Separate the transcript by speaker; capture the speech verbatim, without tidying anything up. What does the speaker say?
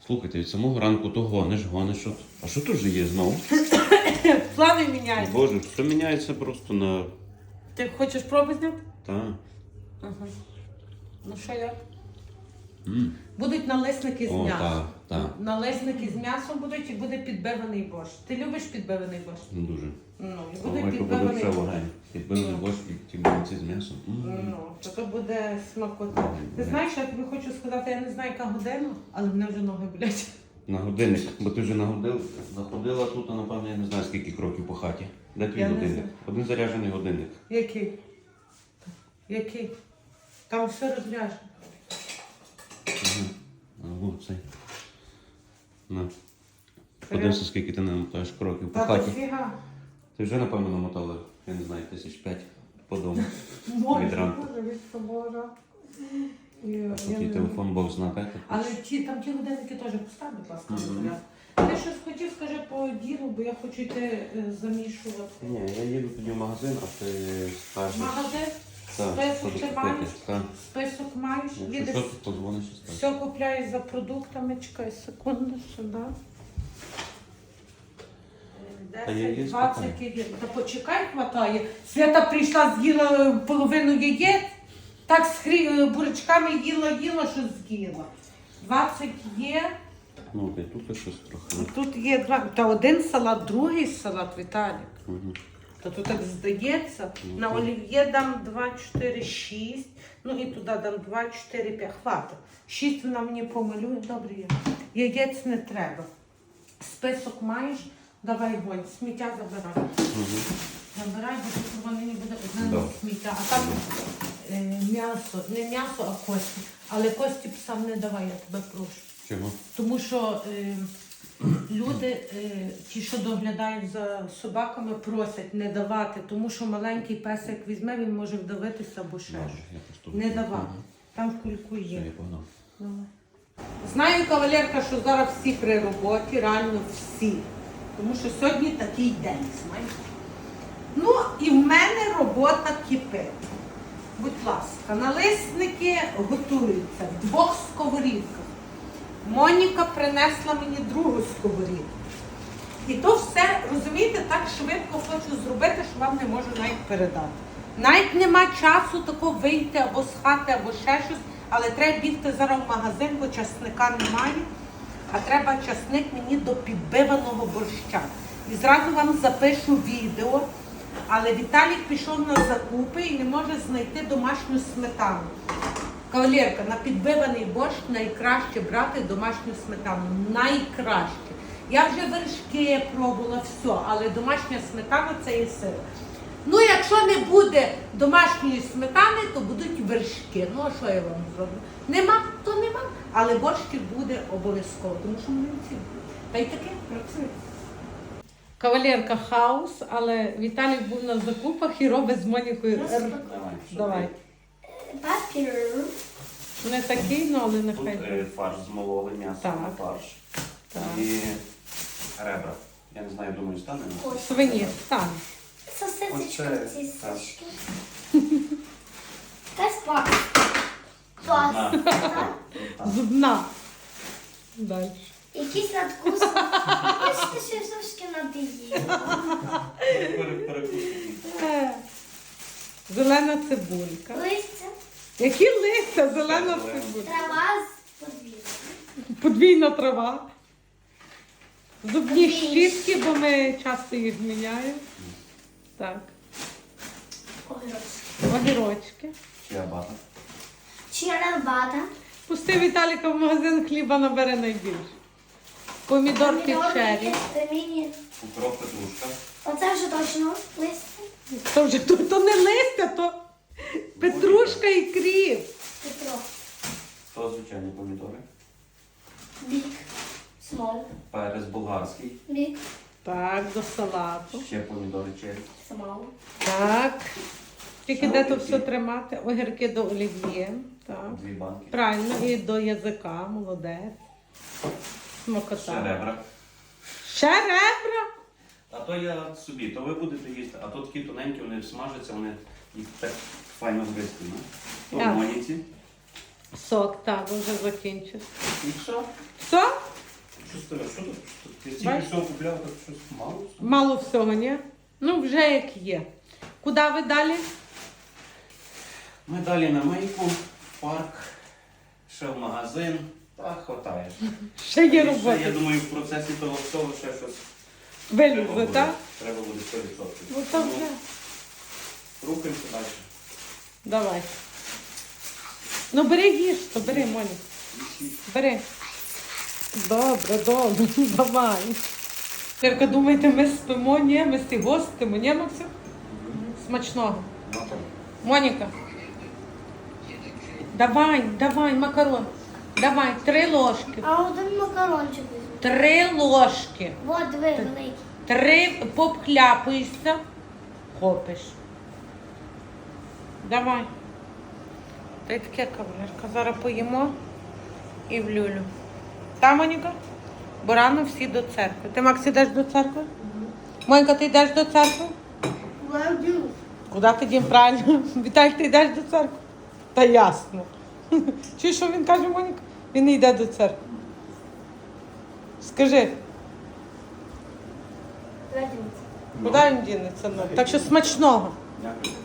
Speaker 1: Слухайте, від самого ранку то гониш, гониш. Що... А що тут же є знову?
Speaker 2: Плани міняються.
Speaker 1: Боже, все міняється просто на...
Speaker 2: Ти хочеш проби зняти?
Speaker 1: Так.
Speaker 2: Ага. Ну що як?
Speaker 1: Mm.
Speaker 2: Будуть налисники з
Speaker 1: О,
Speaker 2: м'ясом.
Speaker 1: так, так.
Speaker 2: Налисники з м'ясом будуть і буде підбиваний борщ. Ти любиш підбиваний борщ?
Speaker 1: Ну, дуже.
Speaker 2: Ну, і буде
Speaker 1: Ой, то буде
Speaker 2: підбиваний
Speaker 1: все
Speaker 2: борщ.
Speaker 1: вогонь. Підбили
Speaker 2: Ну.
Speaker 1: борщ і ті блинці з м'ясом. М.
Speaker 2: Ну, то то буде смакота. Ти знаєш, я тобі хочу сказати, я не знаю, яка година, але мене вже ноги болять.
Speaker 1: На годинник, бо ти вже нагодив, находила тут, а напевно, я не знаю, скільки кроків по хаті. Де твій
Speaker 2: Я не
Speaker 1: годинник?
Speaker 2: знаю.
Speaker 1: Один заряджений годинник.
Speaker 2: Який? Який? Там все розряжено.
Speaker 1: Ага. Ого, цей. На. Подивися, скільки ти намотаєш кроків по
Speaker 2: Та
Speaker 1: хаті.
Speaker 2: дофіга.
Speaker 1: Ти вже, напевно, намотала, я не знаю, тисяч п'ять по дому.
Speaker 2: Може,
Speaker 1: Від ранку.
Speaker 2: може, від собора. І, я
Speaker 1: Такий
Speaker 2: не-
Speaker 1: телефон Бог знає.
Speaker 2: Але ті, там ті годинники теж постав, будь ласка,
Speaker 1: Мгм.
Speaker 2: на порядок. Ти щось хотів, скажи по ділу, бо я хочу йти е, замішувати.
Speaker 1: Ні, я їду тоді в магазин, а ти скажеш.
Speaker 2: Магазин,
Speaker 1: Так,
Speaker 2: список
Speaker 1: що
Speaker 2: ти
Speaker 1: купити.
Speaker 2: маєш?
Speaker 1: Так.
Speaker 2: список маєш,
Speaker 1: Якщо
Speaker 2: їдеш,
Speaker 1: що, то подзвониш і скажеш.
Speaker 2: все купляєш за продуктами, чекай секунду сюди.
Speaker 1: Та я
Speaker 2: десять,
Speaker 1: є
Speaker 2: двадцять
Speaker 1: спокійно.
Speaker 2: яєць. Та почекай, хватає. Свята прийшла, з'їла половину яєць, так з хрі... бурячками їла, їла, що з'їла. двадцять є.
Speaker 1: Ну, окей, тут щось трохи.
Speaker 2: Тут є два. Та один салат, другий салат, Віталік.
Speaker 1: Угу.
Speaker 2: Та тут так здається.
Speaker 1: Ну,
Speaker 2: На
Speaker 1: так.
Speaker 2: олів'є дам два, чотири, шість. Ну і туди дам два, чотири, п'ять. Хватить. шість вона мені помалює. Добре є. Яєць не треба. Список маєш? Давай гонь. Сміття забирай.
Speaker 1: Угу.
Speaker 2: Забирай, бо тут воно мені буде одне
Speaker 1: Добре.
Speaker 2: сміття. А там е, м'ясо. Не м'ясо, а кості. Але кості псам не давай, я тебе прошу.
Speaker 1: Чого?
Speaker 2: Тому що е, люди, е, ті, що доглядають за собаками, просять не давати, тому що маленький песик візьме, він може вдавитися або ще
Speaker 1: Добре,
Speaker 2: щось.
Speaker 1: я просто...
Speaker 2: Не давати.
Speaker 1: Мгм.
Speaker 2: Там в кульку
Speaker 1: Все,
Speaker 2: є.
Speaker 1: я погнав.
Speaker 2: Давай. Знаю, кавалерка, що зараз всі при роботі, реально всі. Тому що сьогодні такий день, знаєш. Ну і в мене робота кипить. Будь ласка, налисники готуються в двох сковорідках. Моніка принесла мені другу сковорідку. І то все, розумієте, так швидко хочу зробити, що вам не можу навіть передати. Навіть нема часу тако вийти або з хати, або ще щось, але треба бігти зараз в магазин, бо часника немає, а треба часник мені до підбиваного борща. І зразу вам запишу відео, але Віталік пішов на закупи і не може знайти домашню сметану. Кавалерка, на підбиваний борщ найкраще брати домашню сметану. Найкраще. Я вже вершки пробувала, все, але домашня сметана це є сила. Ну, якщо не буде домашньої сметани, то будуть вершки. Ну, а що я вам зроблю? Нема, то нема. Але борщик буде обов'язково, тому що млинці. Та й таке працює. Кавалерка хаос, але Віталій був на закупах і робить з Монікою.
Speaker 1: Давай. що
Speaker 2: Давай.
Speaker 3: Папір.
Speaker 2: Не такий, ну, але
Speaker 1: ти?
Speaker 2: нехай.
Speaker 1: Тут е, фарш змололи, м'ясо
Speaker 2: Так.
Speaker 1: на фарш.
Speaker 2: Так.
Speaker 1: І ребра. Я не знаю, думаю, стане.
Speaker 2: Свині, стане.
Speaker 3: Сосисочка,
Speaker 1: Оце,
Speaker 3: ці
Speaker 1: так.
Speaker 3: сосиски. Якась паста. Паста.
Speaker 1: Так.
Speaker 2: Зубна. Далі.
Speaker 3: Якийсь надкус. Бачите, що я трошки надоїла.
Speaker 1: Пере- перекусуй.
Speaker 2: Е, Зелена цибулька.
Speaker 3: Листя,
Speaker 2: Які листя? Зелена
Speaker 1: Зелена.
Speaker 2: цибулька.
Speaker 3: трава з подвір'я.
Speaker 2: Подвійна трава. Зубні
Speaker 3: Подвійні.
Speaker 2: щітки, бо ми часто їх міняємо. Так.
Speaker 3: Огірочки.
Speaker 2: Огірочки.
Speaker 1: Чиабата.
Speaker 3: Чиабата.
Speaker 2: Пусти Віталіка в магазин, хліба набере найбільше. Помідорки чері.
Speaker 3: Міні.
Speaker 1: Укроп, петрушка.
Speaker 3: Оце вже точно листя.
Speaker 2: То вже то, то не листя, то петрушка і кріп.
Speaker 3: Петро.
Speaker 1: То звичайні помідори.
Speaker 3: Бік. Смол.
Speaker 1: Перець болгарський.
Speaker 3: Бік.
Speaker 2: Так, до салату.
Speaker 1: Ще помідори черрі.
Speaker 3: Смол.
Speaker 2: Так. Тільки
Speaker 1: Ще
Speaker 2: де то
Speaker 1: огірки.
Speaker 2: все тримати? Огірки до олів'є. Так.
Speaker 1: Дві банки.
Speaker 2: Правильно, і до язика, молодець.
Speaker 1: Ще
Speaker 2: Смакота.
Speaker 1: ребра.
Speaker 2: Ще ребра?
Speaker 1: А то я собі, то ви будете їсти. А то такі тоненькі, вони смажаться, вони їх так файно гристи. То в
Speaker 2: Так.
Speaker 1: моніці.
Speaker 2: Сок, так, вже закінчив.
Speaker 1: І все.
Speaker 2: Все?
Speaker 1: Що тут? Що тут? Я тільки
Speaker 2: Бачиш?
Speaker 1: всього купляв, так щось мало.
Speaker 2: Мало всього, ні? Ну, вже як є. Куди ви далі?
Speaker 1: Ми далі на мийку, в парк, ще в магазин. Та хватає.
Speaker 2: Ще є
Speaker 1: І
Speaker 2: робота.
Speaker 1: Ще, я думаю, в процесі того всього ще щось
Speaker 2: Вилізе,
Speaker 1: буде.
Speaker 2: так?
Speaker 1: Треба буде сто відсотків.
Speaker 2: Ну то вже.
Speaker 1: Рухаємося далі.
Speaker 2: Давай. Ну бери їж, то бери, Моні. Бери. Добре, добре, давай. Тільки думаєте, ми спимо? Ні, ми всі гостимо, ні, Максим? Смачного. Моніка. Давай, давай, макарон. Давай, три ложки.
Speaker 3: А один макарончик візьму.
Speaker 2: Три ложки.
Speaker 3: Вот, диви, великий.
Speaker 2: Три попхляпаєшся. Хопиш. Давай. Та й таке, кавалерка. Зараз поїмо і в люлю. Та, Моніка? Бо рано всі до церкви. Ти, Макс, йдеш до церкви? Монька, ти йдеш до церкви?
Speaker 3: Владю.
Speaker 2: Куди ти дім правильно? Віталь, ти йдеш до церкви? Та ясно. Чуєш, що він каже, Моніка? Він не йде до церкви. Скажи,
Speaker 3: Владю.
Speaker 2: куди він дінеться? Ну, так що смачного.
Speaker 1: Дякую.